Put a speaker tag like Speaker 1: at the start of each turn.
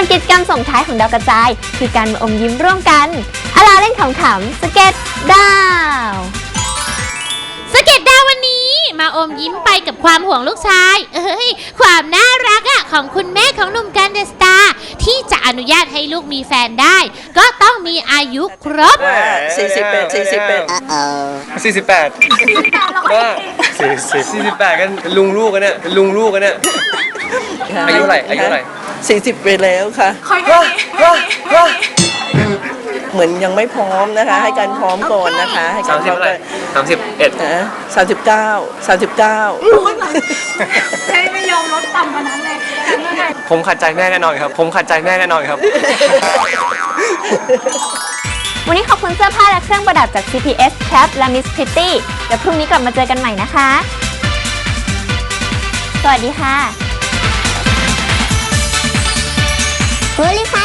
Speaker 1: วนกิจกรรมส่งท้ายของดาวกระจายคือการมาอมยิ้มร่วมกันอาลาเล่นขำๆสเก็ตดาว
Speaker 2: สเก็ตดาววันนี้มาอมยิ้มไปกับความห่วงลูกชายความน่ารักของคุณแม่ของหนุ่มกันเดอะสตาร์ที่จะอนุญาตให้ลูกมีแฟนได้ก็ต้องมีอายุครบ
Speaker 3: 48กันลุงลูกกันเนี่ยอายุอะไร
Speaker 4: 40ไปแล้วค่ะเหมือนยังไม่พร้อมนะคะให้การพร้อมก่อนนะคะให้การพร้อม31 39
Speaker 5: ใช่ไม่ยอมลดต่ำกว่านั้นเลย
Speaker 3: ผมขัดใจแม่แน่นอนครับ
Speaker 1: วันนี้ขอบคุณเสื้อผ้าและเครื่องประดับจาก CPS Cap และ Miss Pretty เดี๋ยวพรุ่งนี้กลับมาเจอกันใหม่นะคะสวัสดีค่ะ
Speaker 6: โพลิพา